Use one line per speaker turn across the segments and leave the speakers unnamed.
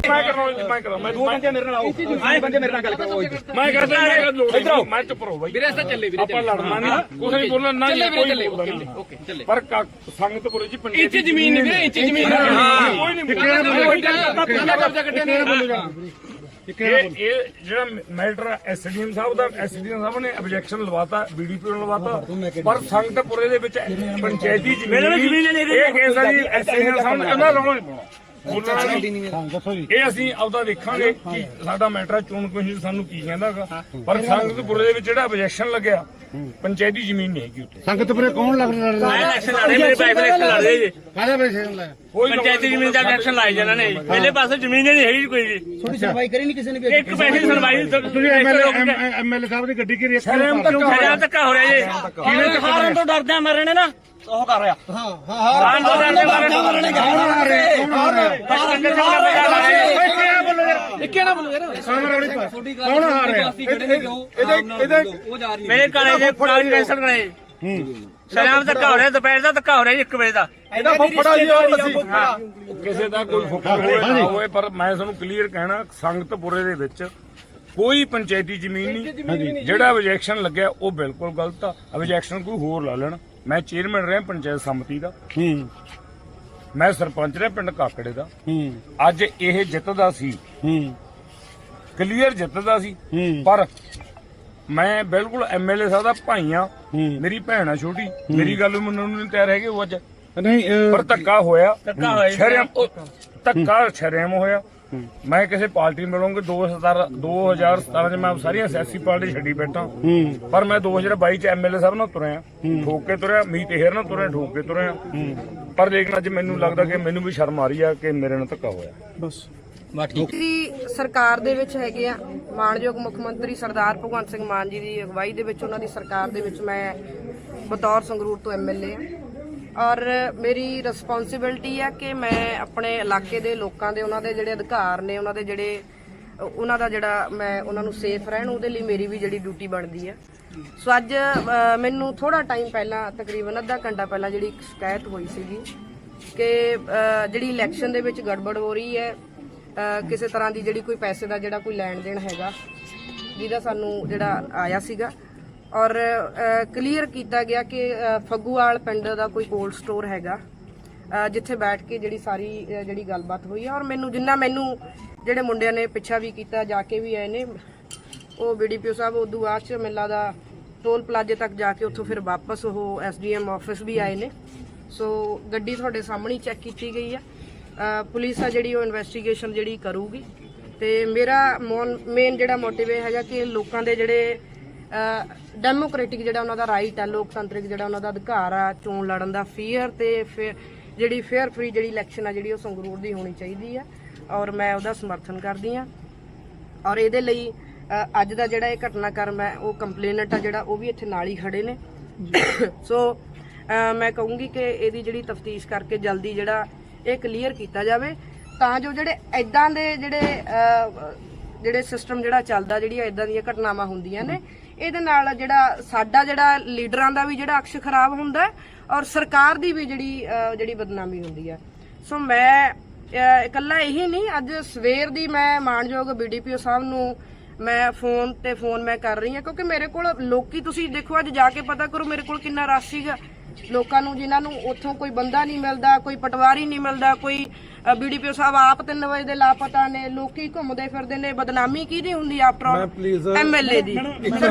ਚੁੱਪ ਰਹੋ ਬਾਈ ਆਪਾਂ ਲੜਨਾ ਨਹੀਂ ਕੁਛ ਨਹੀਂ ਬੋਲਣਾ ਨਾ ਪਰ ਸੰਗਤਪੁਰੇ ਚ ਇੰਚ ਜ਼ਮੀਨ ਨਹੀਂ ਵੀਰੇ ਇੰਚ ਜ਼ਮੀਨ ਕੋਈ ਨਹੀਂ ਇਹ ਜਿਹੜਾ ਮੈਟਰ ਐਸਡੀਐਮ ਸਾਹਿਬ ਦਾ ਐਸਡੀਐਮ ਸਾਹਿਬ ਨੇ ਆਬਜੈਕਸ਼ਨ ਲਵਾਤਾ ਬੀਡੀਪੀ ਨੂੰ ਲਵਾਤਾ ਪਰ ਸੰਗਤਪੁਰੇ ਦੇ ਵਿੱਚ ਪੰਚਾਇਤੀ ਜ਼ਮੀਨ ਇਹ ਕੇਸ ਹੈ ਜੀ ਐਸਡੀਐਮ ਸਾਹਿਬ ਨੇ ਕਹਿੰਦਾ ਰੌਲਾ ਨਹੀਂ ਪਾਉਣਾ ਇਹ ਅਸੀਂ ਆਪਦਾ ਦੇਖਾਂਗੇ ਕਿ ਸਾਡਾ ਮੈਟਰ ਚੋਣ ਕਮਿਸ਼ਨ ਸਾਨੂੰ ਕੀ ਕਹਿੰਦਾਗਾ ਪਰ ਸੰਗਤਪੁਰੇ ਦੇ ਵਿੱਚ ਜਿਹੜਾ ਆਬਜੈਕਸ਼ਨ ਲੱਗਿਆ ਪੰਚਾਇਤੀ ਜ਼ਮੀਨ ਨਹੀਂ ਹੈਗੀ ਉੱਥੇ
ਸੰਗਤਪੁਰੇ ਕੌਣ ਲੱਗ ਰਿਹਾ
ਇਲੈਕਸ਼ਨ ਲੜ ਰਹੇ ਮੇਰੇ ਪੈਸੇ ਇਲੈਕਸ਼ਨ ਲੜ ਰਹੇ ਜੀ
ਕਾਹਦਾ ਇਲੈਕਸ਼ਨ ਲਾਇਆ
ਪੰਚਾਇਤੀ ਜ਼ਮੀਨ ਦਾ ਇਲੈਕਸ਼ਨ ਲਾਏ ਜਾਣਾ ਨੇ ਪਹਿਲੇ ਪਾਸੇ ਜ਼ਮੀਨ ਨਹੀਂ ਹੈਗੀ ਕੋਈ ਜੀ
ਥੋੜੀ ਸੁਣਵਾਈ ਕਰੀ ਨਹੀਂ ਕਿਸੇ ਨੇ
ਇੱਕ ਪੈਸੇ ਦੀ ਸੁਣਵਾਈ
ਤੁਸੀਂ ਐਮਐਲਏ ਸਾਹਿਬ ਦੀ ਗੱਡੀ ਘੇਰੀ
ਸ਼ਰਮ ਧੱਕਾ ਹੋ ਰਿਹਾ ਜੀ ਕਿਵੇਂ ਹਾਰਨ ਤੋਂ ਡਰਦੇ ਆ ਮਰਨੇ ਨਾ ਉਹ ਕਰ ਰਿਹਾ ਹਾਂ ਤੋਂ ਡਰਦੇ ਮਰਨੇ
ਇੱਕੇ ਨਾ ਬੋਲੋ ਯਾਰ ਸਾਹਮਣੇ ਵਾਲੀ ਕੌਣ ਆ ਰਿਹਾ
ਇਹਦੇ ਮੇਰੇ ਘਰੇ ਦੇ ਕਾਲ ਕੈਂਸਲ ਕਰਾਏ ਸ਼ਰਾਬ ਧੱਕਾ ਹੋ ਰਿਹਾ ਦੁਪਹਿਰ ਦਾ ਧੱਕਾ ਹੋ ਰਿਹਾ 1 ਵਜੇ ਦਾ
ਇਹਦਾ ਫੁੱਫੜਾ ਜੀ ਕਿਸੇ ਦਾ ਕੋਈ ਫੁੱਫੜਾ ਹੋਵੇ ਪਰ ਮੈਂ ਤੁਹਾਨੂੰ ਕਲੀਅਰ ਕਹਿਣਾ ਸੰਗਤਪੁਰੇ ਦੇ ਵਿੱਚ ਕੋਈ ਪੰਚਾਇਤੀ ਜ਼ਮੀਨ ਨਹੀਂ ਜਿਹੜਾ ਆਬਜੈਕਸ਼ਨ ਲੱਗਿਆ ਉਹ ਬਿਲਕੁਲ ਗਲਤ ਆ ਆਬਜੈਕਸ਼ਨ ਕੋਈ ਹੋਰ ਲਾ ਲੈਣ ਮੈਂ ਚੇਅਰਮੈਨ ਰਿਹਾ ਪੰਚਾਇਤ ਸਮਿਤੀ ਦਾ ਮੈਂ ਸਰਪੰਚ ਰਿਹਾ ਪਿੰਡ ਕਾਕੜੇ ਦਾ ਅੱਜ ਇਹ ਜਿੱਤਦਾ ਸੀ ਕਲੀਅਰ ਜਿੱਤਦਾ ਸੀ ਪਰ ਮੈਂ ਬਿਲਕੁਲ ਐਮਐਲਏ ਸਾਹਿਬ ਦਾ ਭਾਈ ਆ ਮੇਰੀ ਭੈਣ ਆ ਛੋਟੀ ਮੇਰੀ ਗੱਲ ਮੰਨਣ ਨੂੰ ਨਹੀਂ ਤਿਆਰ ਹੈਗੇ ਉਹ ਅੱਜ
ਨਹੀਂ
ਪਰ ਧੱਕਾ ਹੋਇਆ ਧੱਕਾ ਸ਼ਰਮ ਹੋਇਆ ਮੈਂ ਕਿਸੇ ਪਾਰਟੀ ਮਿਲੂੰਗਾ 2017 ਚ ਮੈਂ ਸਾਰੀਆਂ ਸਿਆਸੀ ਪਾਰਟੀ ਛੱਡੀ ਬੈਠਾ ਪਰ ਮੈਂ 2022 ਚ ਐਮਐਲਏ ਸਾਹਿਬ ਨਾਲ ਤੁਰਿਆ ਠੋਕ ਕੇ ਤੁਰਿਆ ਮੀਤ ਹੇਰ ਨਾਲ ਤੁਰਿਆ ਠੋਕ ਕੇ ਤੁਰਿਆ ਪਰ ਲੇਕਿਨ ਅੱਜ ਮੈਨੂੰ ਲੱਗਦਾ ਕਿ ਮੈਨੂੰ ਵੀ ਸ਼ਰਮ ਆ ਰਹੀ ਆ ਕਿ ਮੇਰੇ ਨਾਲ ਧੱਕਾ ਹੋਇਆ ਬਸ
ਦੀ ਸਰਕਾਰ ਦੇ ਵਿੱਚ ਹੈਗੇ ਆ ਮਾਣਯੋਗ ਮੁੱਖ ਮੰਤਰੀ ਸਰਦਾਰ ਭਗਵੰਤ ਸਿੰਘ ਮਾਨ ਜੀ ਦੀ ਅਗਵਾਈ ਦੇ ਵਿੱਚ ਉਹਨਾਂ ਦੀ ਸਰਕਾਰ ਦੇ ਵਿੱਚ ਮੈਂ ਬਤੌਰ ਸੰਗਰੂਰ ਤੋਂ ਐਮਐਲਏ ਆ ਔਰ ਮੇਰੀ ਰਿਸਪੌਂਸਿਬਿਲਟੀ ਆ ਕਿ ਮੈਂ ਆਪਣੇ ਇਲਾਕੇ ਦੇ ਲੋਕਾਂ ਦੇ ਉਹਨਾਂ ਦੇ ਜਿਹੜੇ ਅਧਿਕਾਰ ਨੇ ਉਹਨਾਂ ਦਾ ਜਿਹੜਾ ਮੈਂ ਉਹਨਾਂ ਨੂੰ ਸੇਫ ਰਹਿਣ ਉਹਦੇ ਲਈ ਮੇਰੀ ਵੀ ਜਿਹੜੀ ਡਿਊਟੀ ਬਣਦੀ ਆ ਸੋ ਅੱਜ ਮੈਨੂੰ ਥੋੜਾ ਟਾਈਮ ਪਹਿਲਾਂ ਤਕਰੀਬਨ ਅੱਧਾ ਘੰਟਾ ਪਹਿਲਾਂ ਜਿਹੜੀ ਇੱਕ ਸ਼ਿਕਾਇਤ ਹੋਈ ਸੀਗੀ ਕਿ ਜਿਹੜੀ ਇਲੈਕਸ਼ਨ ਦੇ ਵਿੱਚ ਗੜਬੜ ਹੋ ਰਹੀ ਹੈ ਕਿਸੇ ਤਰ੍ਹਾਂ ਦੀ ਜਿਹੜੀ ਕੋਈ ਪੈਸੇ ਦਾ ਜਿਹੜਾ ਕੋਈ ਲੈਣ ਦੇਣ ਹੈਗਾ ਜਿਹਦਾ ਸਾਨੂੰ ਜਿਹੜਾ ਆਇਆ ਸੀਗਾ ਔਰ ਕਲੀਅਰ ਕੀਤਾ ਗਿਆ ਕਿ ਫੱਗੂਵਾਲ ਪਿੰਡ ਦਾ ਕੋਈ ਕੋਲਡ ਸਟੋਰ ਹੈਗਾ ਜਿੱਥੇ ਬੈਠ ਕੇ ਜਿਹੜੀ ਸਾਰੀ ਜਿਹੜੀ ਗੱਲਬਾਤ ਹੋਈ ਹੈ ਔਰ ਮੈਨੂੰ ਜਿਹੜੇ ਮੁੰਡਿਆਂ ਨੇ ਪਿੱਛਾ ਵੀ ਕੀਤਾ ਜਾ ਕੇ ਵੀ ਆਏ ਨੇ ਉਹ ਬੀਡੀਪੀਓ ਸਾਹਿਬ ਉਦੋਂ ਬਾਅਦ ਚ ਮੇਲਾ ਦਾ ਟੋਲ ਪਲਾਜ਼ੇ ਤੱਕ ਜਾ ਕੇ ਉੱਥੋਂ ਫਿਰ ਵਾਪਸ ਉਹ ਐਸਡੀਐਮ ਆਫਿਸ ਵੀ ਆਏ ਨੇ ਸੋ ਗੱਡੀ ਤੁਹਾਡੇ ਸਾਹਮਣੇ ਚੈੱਕ ਕੀਤੀ ਗਈ ਆ ਪੁਲਿਸ ਆ ਜਿਹੜੀ ਉਹ ਇਨਵੈਸਟੀਗੇਸ਼ਨ ਜਿਹੜੀ ਕਰੂਗੀ ਤੇ ਮੇਰਾ ਮੇਨ ਜਿਹੜਾ ਮੋਟਿਵ ਇਹ ਹੈਗਾ ਕਿ ਲੋਕਾਂ ਦੇ ਜਿਹੜੇ ਡੈਮੋਕ੍ਰੈਟਿਕ ਜਿਹੜਾ ਉਹਨਾਂ ਦਾ ਰਾਈਟ ਹੈ ਲੋਕਤੰਤਰਿਕ ਜਿਹੜਾ ਉਹਨਾਂ ਦਾ ਅਧਿਕਾਰ ਆ ਚੋਣ ਲੜਨ ਦਾ ਫੇਅਰ ਤੇ ਜਿਹੜੀ ਫੇਅਰ ਫ੍ਰੀ ਜਿਹੜੀ ਇਲੈਕਸ਼ਨ ਆ ਜਿਹੜੀ ਉਹ ਸੰਗਰੂਰ ਦੀ ਹੋਣੀ ਚਾਹੀਦੀ ਆ ਔਰ ਮੈਂ ਉਹਦਾ ਸਮਰਥਨ ਕਰਦੀ ਆ ਔਰ ਇਹਦੇ ਲਈ ਅੱਜ ਦਾ ਜਿਹੜਾ ਇਹ ਘਟਨਾਕ੍ਰਮ ਹੈ ਉਹ ਕੰਪਲੇਨੈਂਟ ਆ ਜਿਹੜਾ ਉਹ ਵੀ ਇੱਥੇ ਨਾਲ ਹੀ ਖੜੇ ਨੇ ਸੋ ਮੈਂ ਕਹੂੰਗੀ ਕਿ ਇਹਦੀ ਜਿਹੜੀ ਤਫਤੀਸ਼ ਕਰਕੇ ਜਲਦੀ ਜਿਹੜਾ ਇਹ ਕਲੀਅਰ ਕੀਤਾ ਜਾਵੇ ਤਾਂ ਜੋ ਜਿਹੜੇ ਇਦਾਂ ਦੇ ਜਿਹੜੇ ਸਿਸਟਮ ਜਿਹੜਾ ਚੱਲਦਾ ਜਿਹੜੀਆਂ ਇਦਾਂ ਦੀਆਂ ਘਟਨਾਵਾਂ ਹੁੰਦੀਆਂ ਨੇ ਇਹਦੇ ਨਾਲ ਜਿਹੜਾ ਸਾਡਾ ਜਿਹੜਾ ਲੀਡਰਾਂ ਦਾ ਵੀ ਜਿਹੜਾ ਅਕਸ਼ ਖਰਾਬ ਹੁੰਦਾ ਔਰ ਸਰਕਾਰ ਦੀ ਵੀ ਜਿਹੜੀ ਬਦਨਾਮੀ ਹੁੰਦੀ ਹੈ ਸੋ ਮੈਂ ਇਕੱਲਾ ਇਹੀ ਨਹੀਂ ਅੱਜ ਸਵੇਰ ਦੀ ਮੈਂ ਮਾਣਯੋਗ ਬੀਡੀਪੀਓ ਸਾਹਿਬ ਨੂੰ ਮੈਂ ਫੋਨ ਮੈਂ ਕਰ ਰਹੀ ਹਾਂ ਕਿਉਂਕਿ ਮੇਰੇ ਕੋਲ ਲੋਕੀ ਤੁਸੀਂ ਦੇਖੋ ਅੱਜ ਜਾ ਕੇ ਪਤਾ ਕਰੋ ਮੇਰੇ ਕੋਲ ਕਿੰਨਾ ਰਸ਼ ਸੀਗਾ ਲੋਕਾਂ ਨੂੰ ਜਿਨ੍ਹਾਂ ਨੂੰ ਉੱਥੋਂ ਕੋਈ ਬੰਦਾ ਨਹੀਂ ਮਿਲਦਾ ਕੋਈ ਪਟਵਾਰੀ ਨਹੀਂ ਮਿਲਦਾ ਕੋਈ ਬੀਡੀਪੀਓ ਸਾਹਿਬ ਆਪ 3 ਵਜੇ ਦੇ ਲਾਪਤਾ ਨੇ ਲੋਕੀ ਘੁੰਮਦੇ ਫਿਰਦੇ ਨੇ ਬਦਨਾਮੀ ਕਿਹਦੀ ਹੁੰਦੀ ਆਫਟਰ ਆਲ ਐਮਐਲਏ ਦੀ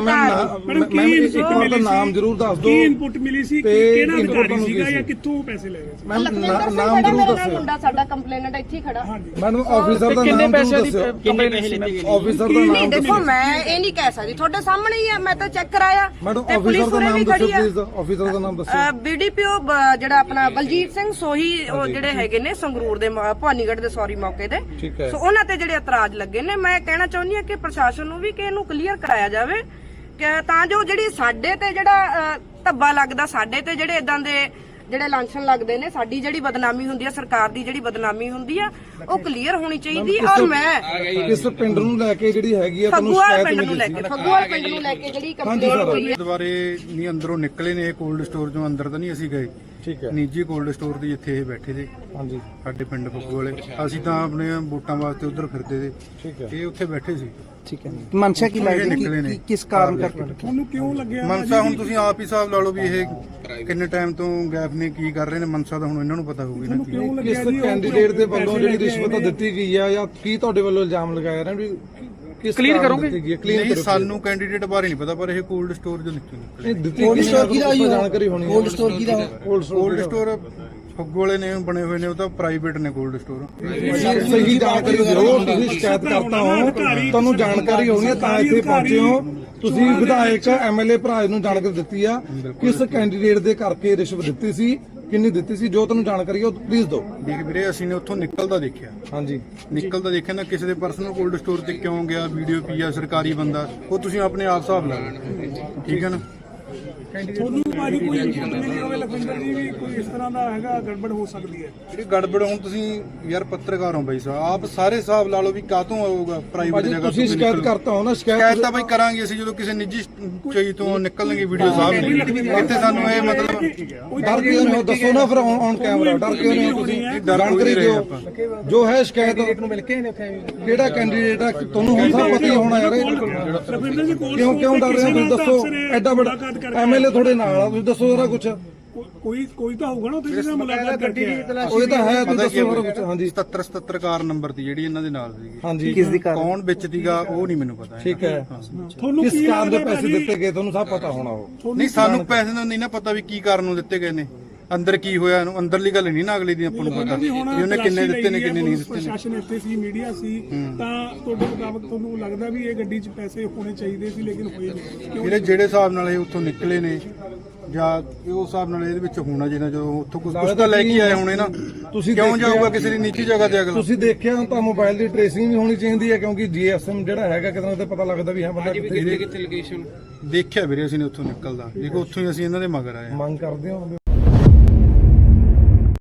ਨਾਮ ਜ਼ਰੂਰ ਦੱਸ ਦਿਓ
ਕੀ ਇਨਪੁਟ ਮਿਲੀ ਸੀ ਕਿਹੜਾ ਅਧਿਕਾਰੀ ਸੀਗਾ ਜਾਂ ਕਿੱਥੋਂ ਪੈਸੇ ਲੈ ਰਹੇ ਸੀ
ਨਾਮ ਜ਼ਰੂਰ ਦੱਸੋ
ਮੁੰਡਾ ਸਾਡਾ ਕੰਪਲੇਨੈਂਟ ਇੱਥੇ ਖੜਾ
ਮੈਡਮ ਆਫੀਸਰ ਦਾ ਨਾਮ ਜ਼ਰੂਰ ਦੱਸੋ
ਕਿੰਨੇ ਪੈਸੇ ਲਿੱਤੇ
ਆਫੀਸਰ ਦਾ ਨਾਮ
ਦੇਖੋ ਮੈਂ ਇਹ ਨਹੀਂ ਕਹਿ ਸਕਦੀ ਤੁਹਾਡੇ ਸਾਹਮਣੇ ਹੀ ਹੈ ਮੈਂ ਤਾਂ ਚੈੱਕ ਕਰਾਇਆ
ਮੈਡਮ ਆਫੀਸਰ ਦਾ ਨਾਮ ਦੱਸੋ ਪਲੀਜ਼ ਆਫੀਸਰ ਦਾ ਨਾਮ ਦੱਸੋ
ਬੀਡੀਪੀਓ ਜਿਹੜਾ ਆਪਣਾ ਬਲਜੀਤ ਸਿੰਘ ਸੋਹੀ ਉਹ ਜਿਹੜੇ ਹੈਗੇ ਨੇ ਸੰਗਰੂਰ ਦੇ ਭਵਾਨੀਗੜ੍ਹ ਦੇ ਸੌਰੀ ਮੌਕੇ ਤੇ ਸੋ ਉਹਨਾਂ ਤੇ ਜਿਹੜੇ ਇਤਰਾਜ਼ ਲੱਗੇ ਨੇ ਮੈਂ ਕਹਿਣਾ ਚਾਹੁੰਦੀ ਹਾਂ ਕਿ ਪ੍ਰਸ਼ਾਸਨ ਨੂੰ ਵੀ ਕਿ ਇਹਨੂੰ ਕਲੀਅਰ ਕਰਾਇਆ ਜਾਵੇ ਕਿ ਤਾਂ ਜੋ ਜਿਹੜੀ ਸਾਡੇ ਤੇ ਜਿਹੜਾ ਧੱਬਾ ਲੱਗਦਾ ਸਾਡੇ ਤੇ ਜਿਹੜੇ ਇਦਾਂ ਦੇ ਜਿਹੜੇ ਲਾਂਛਨ ਲੱਗਦੇ ਨੇ ਸਾਡੀ ਜਿਹੜੀ ਬਦਨਾਮੀ ਹੁੰਦੀ ਹੈ ਸਰਕਾਰ ਦੀ ਜਿਹੜੀ ਬਦਨਾਮੀ ਹੁੰਦੀ ਆ ਉਹ ਕਲੀਅਰ ਹੋਣੀ ਚਾਹੀਦੀ ਔਰ ਮੈਂ
ਇਸ ਪਿੰਡ ਨੂੰ ਲੈ ਕੇ ਜਿਹੜੀ ਹੈਗੀ ਆ ਤੁਹਾਨੂੰ
ਫੱਗੂਵਾਲ ਪਿੰਡ ਨੂੰ ਲੈ ਕੇ ਜਿਹੜੀ ਕੰਪਲੇਂਟ ਹੋਈ ਹੈ
ਦੁਬਾਰੇ ਨਹੀਂ ਅੰਦਰੋਂ ਨਿਕਲੇ ਨੇ ਕੋਲਡ ਸਟੋਰ ਚੋਂ ਅੰਦਰ ਤਾਂ ਨਹੀਂ ਅਸੀਂ ਗਏ
ਠੀਕ ਹੈ
ਨਿੱਜੀ ਕੋਲਡ ਸਟੋਰ ਦੀ ਇੱਥੇ ਇਹ ਬੈਠੇ ਸੀ
ਹਾਂਜੀ
ਸਾਡੇ ਪਿੰਡ ਫੁੱਗੂ ਵਾਲੇ। ਅਸੀਂ ਤਾਂ ਆਪਣੇ ਵੋਟਾਂ ਵਾਸਤੇ ਉਧਰ ਫਿਰਦੇ ਸੀ,
ਠੀਕ ਹੈ
ਇਹ ਉੱਥੇ ਬੈਠੇ ਸੀ।
ਠੀਕ ਹੈ ਮਨਸ਼ਾ ਕੀ
ਇਹ ਨਿਕਲੇ ਨੇ।
ਕਿਸ ਕਾਰਨ ਕਰਕੇ
ਤੁਹਾਨੂੰ ਕਿਉਂ ਲੱਗਿਆ
ਮਨਸਾ ਹੁਣ ਤੁਸੀਂ ਆਪ ਹੀ ਹਿਸਾਬ ਲਾ ਲਓ ਵੀ ਇਹ ਕਿੰਨੇ ਟਾਈਮ ਤੋਂ ਗੈਪ ਨੇ ਕੀ ਕਰ ਰਹੇ ਨੇ। ਮਨਸਾ ਤਾਂ ਹੁਣ ਇਹਨਾਂ ਨੂੰ ਪਤਾ ਹੋਊਗੀ ਨਾ ਕੀ।
ਕਿਉਂ
ਕਿਸ
ਲੱਗਿਆ ਜੀ
ਕੈਂਡੀਡੇਟ ਦੇ ਵੱਲੋਂ ਜਿਹੜੀ ਰਿਸ਼ਵਤ ਦਿੱਤੀ ਗਈ ਆ ਜਾਂ ਕੀ ਤੁਹਾਡੇ ਵੱਲੋਂ ਇਲਜ਼ਾਮ ਲਗਾਇਆ ਰਿਹਾ ਵੀ ਕਿਸ ਕਲੀਅਰ ਕਰੋਗੇ
ਨਹੀਂ ਸਾਨੂੰ ਕੈਂਡੀਡੇਟ ਬਾਰੇ ਨਹੀਂ ਪਤਾ, ਪਰ ਇਹ ਕੋਲਡ ਸਟੋਰ ਜੋ ਨਿਕਲੇ
ਕੋਲਡ ਸਟੋਰ ਕੀ ਜਾਣਕਾਰੀ ਹੋਣੀ ਕੋਲਡ ਸਟੋਰ ਕੀ ਦਾ
ਕੋਲਡ ਸਟੋਰ ਫੁੱਗੂ ਵਾਲੇ ਨੇ ਬਣੇ ਹੋਏ ਨੇ, ਉਹ ਤਾਂ ਪ੍ਰਾਈਵੇਟ ਨੇ ਕੋਲਡ ਸਟੋਰ।
ਸਹੀ ਜਾਣਕਾਰੀ ਦਿਓ। ਤੁਸੀਂ ਸ਼ਿਕਾਇਤ ਕਰਤਾ ਹੋ, ਤੁਹਾਨੂੰ ਜਾਣਕਾਰੀ ਹੋਣੀ ਹੈ ਤਾਂ ਇੱਥੇ ਪਹੁੰਚੇ ਹੋ। ਤੁਸੀਂ ਵਿਧਾਇਕ ਐਮਐਲਏ ਭਰਾ ਨੂੰ ਜਾਣਕਾਰੀ ਦਿੱਤੀ ਆ ਕਿਸ ਕੈਂਡੀਡੇਟ ਦੇ ਕਰਕੇ ਰਿਸ਼ਵਤ ਦਿੱਤੀ ਸੀ, ਕਿੰਨੀ ਦਿੱਤੀ ਸੀ, ਜੋ ਤੁਹਾਨੂੰ ਜਾਣਕਾਰੀ ਹੈ ਉਹ ਪਲੀਜ਼ ਦਿਓ।
ਦੇਖ ਵੀਰੇ ਅਸੀਂ ਨੇ ਉੱਥੋਂ ਨਿਕਲਦਾ ਦੇਖਿਆ,
ਹਾਂਜੀ
ਨਿਕਲਦਾ ਦੇਖਿਆ ਨਾ ਕਿਸੇ ਦੇ ਪਰਸਨਲ ਕੋਲਡ ਸਟੋਰ ਤੇ ਕਿਉਂ ਗਿਆ, ਵੀਡੀਓ ਪੀ ਆ, ਸਰਕਾਰੀ ਬੰਦਾ, ਉਹ ਤੁਸੀਂ ਆਪਣੇ ਆਪ ਹਿਸਾਬ ਲਾ ਲਓ, ਠੀਕ ਹੈ ਨਾ।
ਤੁਹਾਨੂੰ ਭਾਜੀ ਕੋਈ ਇਨਪੁਟ ਮਿਲੀ ਹੋਵੇ ਲਖਵਿੰਦਰ ਜੀ ਵੀ ਕੋਈ ਇਸ ਤਰ੍ਹਾਂ ਦਾ ਹੈਗਾ ਗੜਬੜ ਹੋ ਸਕਦੀ ਹੈ?
ਜਿਹੜੀ ਗੜਬੜ ਹੁਣ ਤੁਸੀਂ ਯਾਰ ਪੱਤਰਕਾਰ ਹੋ ਬਾਈ ਸਾਹਿਬ, ਆਪ ਸਾਰੇ ਹਿਸਾਬ ਲਾ ਲਓ ਵੀ ਕਾਹਤੋਂ ਆਊਗਾ ਪ੍ਰਾਈਵੇਟ ਜਗ੍ਹਾ ਤੋਂ।
ਤੁਸੀਂ ਸ਼ਿਕਾਇਤ ਕਰਤਾ ਹੋ ਨਾ,
ਸ਼ਿਕਾਇਤ ਤਾਂ ਬਾਈ ਕਰਾਂਗੇ ਅਸੀਂ ਜਦੋਂ ਕਿਸੇ ਨਿੱਜੀ ਚੀਜ਼ ਤੋਂ ਨਿਕਲਣਗੇ ਵੀਡੀਓ ਸਾਹਮਣੇ। ਇੱਥੇ ਸਾਨੂੰ ਇਹ ਮਤਲਬ
ਡਰ ਕਿਉਂ ਨਹੀਂ ਹੋ ਦੱਸੋ ਨਾ ਫਿਰ ਔਨ ਕੈਮਰਾ ਡਰ ਕਿਉਂ ਨਹੀਂ ਹੋ ਤੁਸੀਂ ਜਾਣਕਾਰੀ ਦਿਓ ਜੋ ਹੈ ਸ਼ਿਕਾਇਤ ਨੂੰ ਮਿਲ ਕੇ ਕਿਹੜਾ ਕੈਂਡੀਡੇਟ ਆ ਤੁਹਾਨੂੰ ਹੁਣ ਸਭ ਪਤਾ ਹੀ ਹੋਣਾ ਯਾਰ
ਲਖਵਿੰਦਰ ਜੀ ਕੋਲ
ਕਿਉਂ ਡਰ ਰਹੇ ਹੋ ਤੁਸੀਂ ਦੱਸੋ ਐਡਾ ਵੱਡਾ ਐਮਐਲਏ ਤੁਹਾਡੇ ਨਾਲ ਆ ਤੁਸੀਂ ਦੱਸੋ ਜਰਾ ਕੁਝ
ਕੋਈ ਤਾਂ ਹੋਊਗਾ ਨਾ ਉੱਥੇ ਜਿਹਨਾਂ ਮੁਲਾਕਾਤ ਕਰਕੇ
ਉਹ ਤਾਂ ਹੈ ਤੁਸੀਂ ਦੱਸੋ ਜਰਾ ਕੁਝ ਹਾਂਜੀ
77 ਕਾਰ ਨੰਬਰ ਦੀ ਜਿਹੜੀ ਇਹਨਾਂ ਦੇ ਨਾਲ ਸੀਗੀ,
ਹਾਂਜੀ ਕਿਸ ਦੀ
ਕੌਣ ਵਿੱਚ ਸੀਗਾ ਉਹ ਨਹੀਂ ਮੈਨੂੰ ਪਤਾ।
ਠੀਕ ਹੈ
ਤੁਹਾਨੂੰ
ਕਿਸ
ਕੀ
ਕਾਰਨ ਦੇ
ਲੱਗਦਾ
ਪੈਸੇ ਦਿੱਤੇ ਗਏ ਤੁਹਾਨੂੰ ਸਭ ਪਤਾ ਹੋਣਾ ਉਹ
ਨਹੀਂ ਸਾਨੂੰ ਪੈਸੇ ਦਾ ਨਹੀਂ ਨਾ ਪਤਾ ਵੀ ਕੀ ਕਾਰਨ ਨੂੰ ਦਿੱਤੇ ਗਏ ਨੇ, ਅੰਦਰ ਕੀ ਹੋਇਆ ਇਹਨੂੰ, ਅੰਦਰਲੀ ਗੱਲ ਨਹੀਂ ਨਾ ਅਗਲੀ ਦੀ ਆਪਾਂ ਨੂੰ ਪਤਾ ਵੀ ਉਹਨੇ ਕਿੰਨੇ ਦਿੱਤੇ ਨੇ ਕਿੰਨੇ ਨਹੀਂ ਦਿੱਤੇ ਨੇ।
ਪ੍ਰਸ਼ਾਸਨ ਇੱਥੇ ਸੀ, ਮੀਡੀਆ ਸੀ, ਤਾਂ ਤੁਹਾਡੇ ਮੁਤਾਬਕ ਤੁਹਾਨੂੰ ਲੱਗਦਾ ਵੀ ਇਹ ਗੱਡੀ 'ਚ ਪੈਸੇ ਹੋਣੇ ਚਾਹੀਦੇ ਸੀ ਲੇਕਿਨ ਹੋਏ ਨਹੀਂ?
ਜਿਹੜੇ ਹਿਸਾਬ ਨਾਲ ਇਹ ਉੱਥੋਂ ਨਿਕਲੇ ਨੇ ਜਾਂ ਉਸ ਹਿਸਾਬ ਨਾਲ ਇਹਦੇ ਵਿੱਚ ਹੋਣਾ ਜਿਹਨਾਂ ਜਦੋਂ ਉੱਥੋਂ ਕੁਝ ਤਾਂ ਲੈ ਕੇ ਆਏ ਹੋਣੇ ਨਾ।
ਤੁਸੀਂ
ਕਿਉਂ ਜਾਊਗਾ ਕਿਸੇ ਦੀ ਨੀਚੀ ਜਗ੍ਹਾ ਤੇ ਅਗਲਾ?
ਤੁਸੀਂ ਦੇਖਿਆ ਤਾਂ ਮੋਬਾਈਲ ਦੀ ਟ੍ਰੇਸਿੰਗ ਵੀ ਹੋਣੀ ਚਾਹੀਦੀ ਹੈ ਕਿਉਂਕਿ ਜੀਐਸਐਮ ਜਿਹੜਾ ਹੈਗਾ ਕਿਤੇ ਨਾ ਕਿਤੇ ਪਤਾ ਲੱਗਦਾ ਵੀ ਹਾਂ ਬੰਦਾ ਕਿੱਥੇ
ਦੇਖਿਆ ਵੀਰੇ ਅਸੀਂ ਨੇ ਉੱਥੋਂ ਨਿਕਲਦਾ, ਦੇਖੋ ਉੱਥੋਂ ਹੀ ਅਸੀਂ ਇਹਨਾਂ ਦੇ ਮਗਰ ਆਏ ਹਾਂ।
ਮੰਗ ਕਰਦੇ ਹੋ